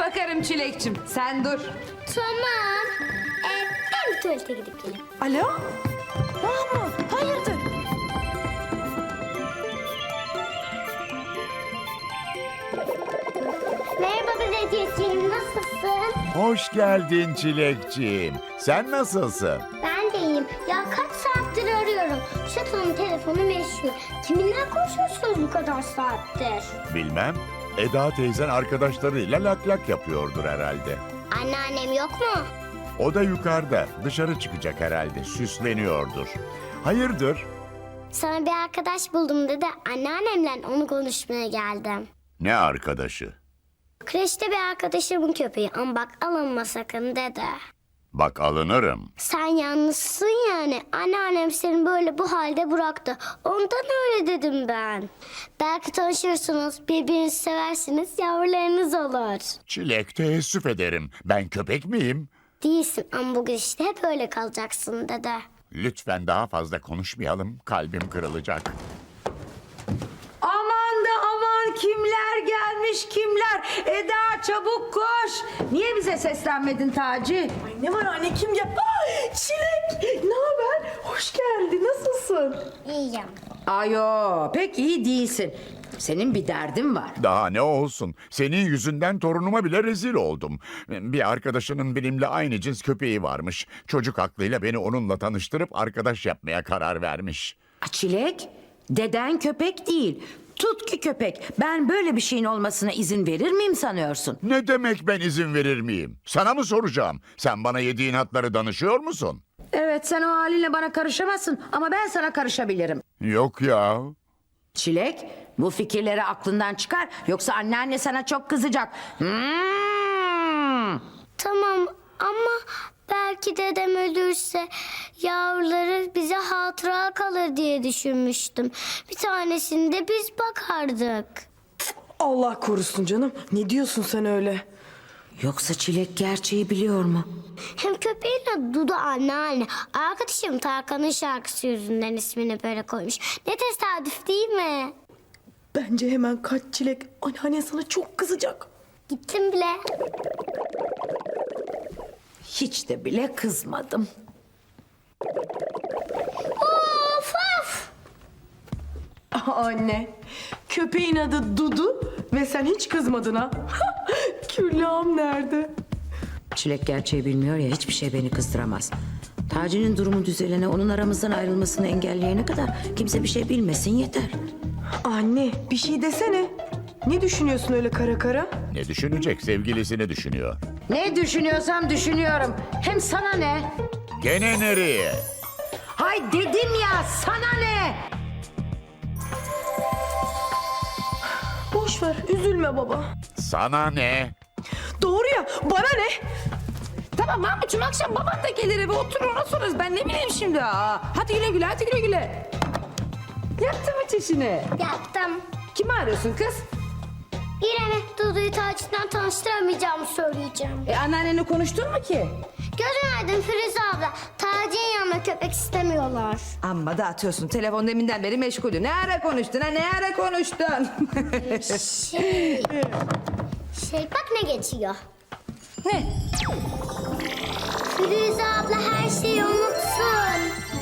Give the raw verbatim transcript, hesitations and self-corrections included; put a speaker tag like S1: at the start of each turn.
S1: Bakarım Çilekçim, sen dur.
S2: Tamam. Ee, ben bir tuvalete gidip geleyim.
S3: Alo? Mahmut, hayırdır?
S2: Merhaba dedeciğim, nasılsın?
S4: Hoş geldin Çilekciğim. Sen nasılsın?
S2: Ben de iyiyim. Ya kaç saattir arıyorum. Şatonun telefonu meşhur. Kiminle konuşuyorsunuz bu kadar saattir?
S4: Bilmem. Eda teyzen arkadaşlarıyla lak lak yapıyordur herhalde.
S2: Anneannem yok mu?
S4: O da yukarıda. Dışarı çıkacak herhalde. Süsleniyordur. Hayırdır?
S2: Sana bir arkadaş buldum dedi. Anneannemle onu konuşmaya geldim.
S4: Ne arkadaşı?
S2: Kreşte bir arkadaşımın köpeği ama bak alınma sakın dedi.
S4: Bak alınırım.
S2: Sen yalnızsın yani. Anneannem seni böyle bu halde bıraktı. Ondan öyle dedim ben. Belki tanışırsınız, birbirinizi seversiniz, yavrularınız olur.
S4: Çilek teessüf ederim. Ben köpek miyim?
S2: Değilsin ama bugün işte hep öyle kalacaksın dedi.
S4: Lütfen daha fazla konuşmayalım. Kalbim kırılacak.
S1: Aman da aman, kimler gelmiş kimler. Eda çabuk koş. Niye bize seslenmedin Taci?
S3: Ay ne var anne, kim ya? Aa, Çilek, ne haber? Hoş geldin, nasılsın?
S2: İyiyim.
S1: Ayo, pek iyi değilsin. Senin bir derdin var.
S4: Daha ne olsun? Senin yüzünden torunuma bile rezil oldum. Bir arkadaşının benimle aynı cins köpeği varmış. Çocuk aklıyla beni onunla tanıştırıp arkadaş yapmaya karar vermiş.
S5: Çilek, deden köpek değil. Tutki köpek. Ben böyle bir şeyin olmasına izin verir miyim sanıyorsun?
S4: Ne demek ben izin verir miyim? Sana mı soracağım? Sen bana yediğin hatları danışıyor musun?
S5: Evet, sen o halinle bana karışamazsın ama ben sana karışabilirim.
S4: Yok ya.
S5: Çilek, bu fikirleri aklından çıkar yoksa anneanne sana çok kızacak. Hmm.
S2: Tamam ama belki dedem ölürse yavruları bize hatıra kalır diye düşünmüştüm. Bir tanesini de biz bakardık.
S3: Allah korusun canım. Ne diyorsun sen öyle?
S5: Yoksa Çilek gerçeği biliyor mu?
S2: Hem köpeğin adı Dudu anneanne. Arkadaşım Tarkan'ın şarkısı yüzünden ismini böyle koymuş. Ne tesadüf değil mi?
S3: Bence hemen kaç Çilek. Anneannen sana çok kızacak.
S2: Gittim bile.
S5: Hiç de bile kızmadım.
S2: Of of.
S3: Aa, anne, köpeğin adı Dudu ve sen hiç kızmadın ha? Küllağım nerede?
S5: Çilek gerçeği bilmiyor ya, hiçbir şey beni kızdıramaz. Taci'nin durumu düzelene, onun aramızdan ayrılmasını engelleyene kadar kimse bir şey bilmesin yeter.
S3: Anne, bir şey desene. Ne düşünüyorsun öyle kara kara?
S4: Ne düşünecek? Sevgilisini düşünüyor.
S5: Ne düşünüyorsam düşünüyorum. Hem sana ne?
S4: Gene nereye?
S5: Hay dedim ya, sana ne?
S3: Boş ver, üzülme baba.
S4: Sana ne?
S3: Doğru ya, bana ne?
S1: Tamam Mahmut'cum, akşam baban da gelir eve, oturur ona sorarız. Ben ne bileyim şimdi. Aa, hadi güle güle, hadi güle güle. Yaptın mı çişini?
S2: Yaptım.
S1: Kimi arıyorsun kız?
S2: İrem'e Dudu'yu Taç'tan tanıştıramayacağımı söyleyeceğim.
S1: E anneannenle konuştun mu ki?
S2: Gözün aydın Firuze abla. Taci'nin yanına köpek istemiyorlar.
S1: Amma da atıyorsun. Telefon deminden beri meşgulüm. Ne ara konuştun ha? Ne ara konuştun?
S2: Şey... Şey bak ne geçiyor.
S1: Ne?
S2: Firuze abla her şeyi unutsun.